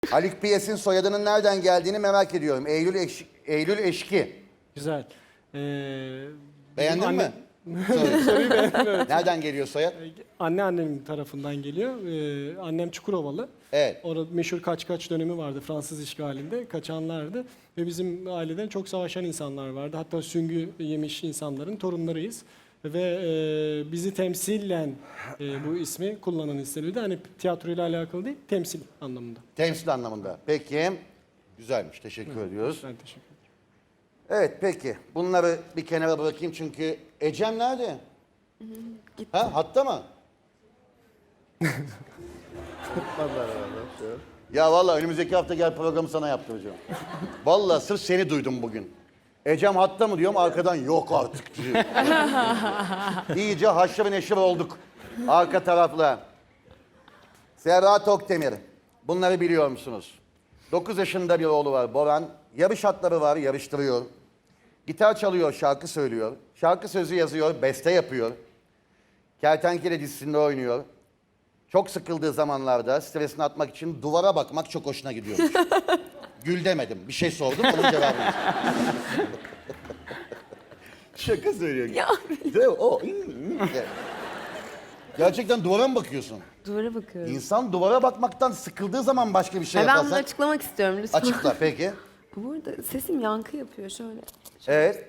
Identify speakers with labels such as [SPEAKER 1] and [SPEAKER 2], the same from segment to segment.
[SPEAKER 1] Haluk Piyes'in soyadının nereden geldiğini merak ediyorum. Eylül Eşki.
[SPEAKER 2] Güzel.
[SPEAKER 1] Beğendin mi?
[SPEAKER 2] Soruyu beğendim, evet.
[SPEAKER 1] Nereden geliyor soyad?
[SPEAKER 2] Anneannemin tarafından geliyor. Annem Çukurovalı.
[SPEAKER 1] Evet.
[SPEAKER 2] Orada meşhur kaç dönemi vardı Fransız işgalinde. Kaçanlardı. Ve bizim aileden çok savaşan insanlar vardı. Hatta süngü yemiş insanların torunlarıyız. Ve bizi temsilen bu ismi kullanan istenildi. Hani tiyatroyla alakalı değil, temsil anlamında.
[SPEAKER 1] Temsil anlamında. Peki. Güzelmiş. Teşekkür ediyoruz.
[SPEAKER 2] Ben teşekkür ederim.
[SPEAKER 1] Evet peki. Bunları bir kenara bırakayım çünkü Ecem nerede? Ha hatta mı? Ya vallahi önümüzdeki hafta gel programı sana yaptıracağım. Vallahi sırf seni duydum bugün. Ecem hatta mı diyorum arkadan yok artık diyor. İyice haşır neşir olduk. Arka tarafla. Serra Tokdemir. Bunları biliyor musunuz? 9 yaşında bir oğlu var Boran. Yarış atları var, yarıştırıyor. Gitar çalıyor, şarkı söylüyor. Şarkı sözü yazıyor, beste yapıyor. Kertenkele dizisinde oynuyor. Çok sıkıldığı zamanlarda stresini atmak için duvara bakmak çok hoşuna gidiyormuş. Gül demedim. Bir şey sordum, onun cevabını. Şaka söylüyor.
[SPEAKER 3] Ya.
[SPEAKER 1] Değil mi? O. Gerçekten duvara mı bakıyorsun?
[SPEAKER 3] Duvara bakıyorum.
[SPEAKER 1] İnsan duvara bakmaktan sıkıldığı zaman başka bir şey
[SPEAKER 3] Ben bunu
[SPEAKER 1] yaparsan...
[SPEAKER 3] açıklamak istiyorum lütfen.
[SPEAKER 1] Açıkla peki.
[SPEAKER 3] Bu arada sesim yankı yapıyor şöyle.
[SPEAKER 1] Evet.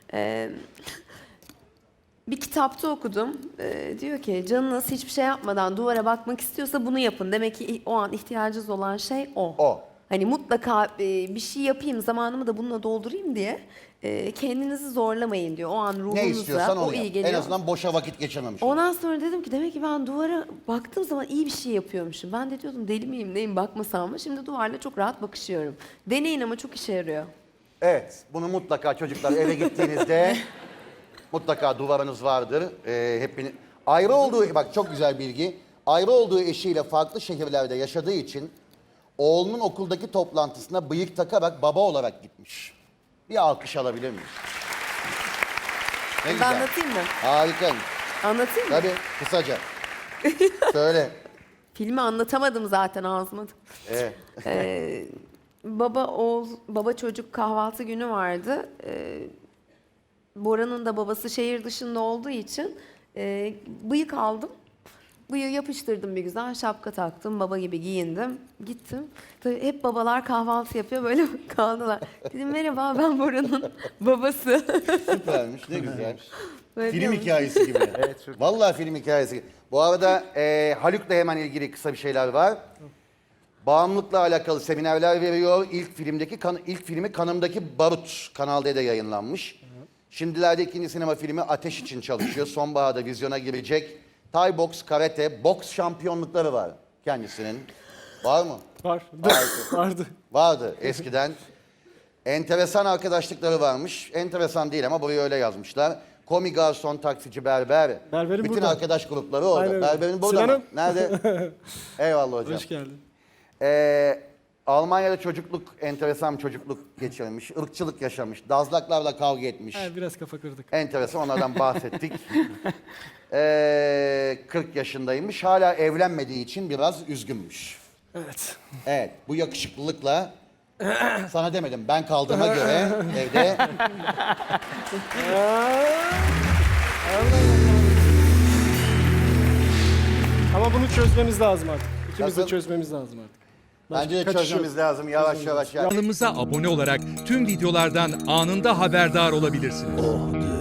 [SPEAKER 3] Bir kitapta okudum. Diyor ki canınız hiçbir şey yapmadan duvara bakmak istiyorsa bunu yapın. Demek ki o an ihtiyacınız olan şey o.
[SPEAKER 1] O.
[SPEAKER 3] Hani mutlaka bir şey yapayım, zamanımı da bununla doldurayım diye kendinizi zorlamayın diyor. O an
[SPEAKER 1] Ne
[SPEAKER 3] ruhunuza
[SPEAKER 1] istiyorsan
[SPEAKER 3] o
[SPEAKER 1] onu
[SPEAKER 3] iyi
[SPEAKER 1] yap.
[SPEAKER 3] geliyor.
[SPEAKER 1] En azından boşa vakit geçirmemiş olur.
[SPEAKER 3] Ondan sonra dedim ki demek ki ben duvara baktığım zaman iyi bir şey yapıyormuşum. Ben de diyordum deli miyim neyim bakmasam mı? Şimdi duvarla çok rahat bakışıyorum. Deneyin ama çok işe yarıyor.
[SPEAKER 1] Evet, bunu mutlaka çocuklar eve gittiğinizde mutlaka duvarınız vardır. Ayrı olduğu, bak çok güzel bilgi. Ayrı olduğu eşiyle farklı şehirlerde yaşadığı için oğlunun okuldaki toplantısına bıyık takarak baba olarak gitmiş. Bir alkış alabilir miyiz? Ne
[SPEAKER 3] Ben
[SPEAKER 1] güzel.
[SPEAKER 3] anlatayım mı?
[SPEAKER 1] Harikaymış.
[SPEAKER 3] Anlatayım mı?
[SPEAKER 1] Tabii, kısaca. Söyle.
[SPEAKER 3] Filmi anlatamadım zaten ağzıma.
[SPEAKER 1] Evet.
[SPEAKER 3] Baba çocuk kahvaltı günü vardı. Bora'nın da babası şehir dışında olduğu için bıyık aldım. Bıyığı yapıştırdım bir güzel, şapka taktım, baba gibi giyindim, gittim. Tabii hep babalar kahvaltı yapıyor, böyle kaldılar. Dedim merhaba ben Bora'nın babası.
[SPEAKER 1] Süpermiş, ne güzel.
[SPEAKER 3] Böyle
[SPEAKER 1] Film
[SPEAKER 3] diyormuş.
[SPEAKER 1] hikayesi gibi. Evet, çok vallahi film hikayesi gibi. Bu arada Haluk'la hemen ilgili kısa bir şeyler var. Bağımlılıkla alakalı seminerler veriyor. İlk filmi Kanımdaki Barut Kanal D'de yayınlanmış. Şimdilerde ikinci sinema filmi Ateş için çalışıyor. Sonbaharda vizyona girecek. Thai boks, karate, boks şampiyonlukları var kendisinin. Var mı?
[SPEAKER 2] Var. Vardı.
[SPEAKER 1] Vardı eskiden. Enteresan arkadaşlıkları varmış. Enteresan değil ama buraya öyle yazmışlar. Komi, garson, taksici, berber.
[SPEAKER 2] Berberim
[SPEAKER 1] bütün
[SPEAKER 2] burada.
[SPEAKER 1] arkadaş grupları orada.
[SPEAKER 2] Aynen.
[SPEAKER 1] Berberin burada
[SPEAKER 2] Sinan'ım.
[SPEAKER 1] mı? Nerede? Eyvallah hocam.
[SPEAKER 2] Hoş geldin.
[SPEAKER 1] Almanya'da enteresan bir çocukluk geçirmiş. Irkçılık yaşamış. Dazlaklarla kavga etmiş.
[SPEAKER 2] Biraz kafa kırdık.
[SPEAKER 1] Enteresan, onlardan bahsettik. 40 yaşındaymış. Hala evlenmediği için biraz üzgünmüş.
[SPEAKER 2] Evet.
[SPEAKER 1] Evet, bu yakışıklılıkla sana demedim. Ben kaldığıma göre evde
[SPEAKER 2] Ama bunu çözmemiz lazım artık. İkimiz de
[SPEAKER 1] Nasıl?
[SPEAKER 2] çözmemiz lazım artık.
[SPEAKER 1] bence de
[SPEAKER 2] Kaçış yok.
[SPEAKER 1] çözmemiz lazım yavaş yavaş.
[SPEAKER 4] Kanalımıza abone olarak tüm videolardan anında haberdar olabilirsiniz.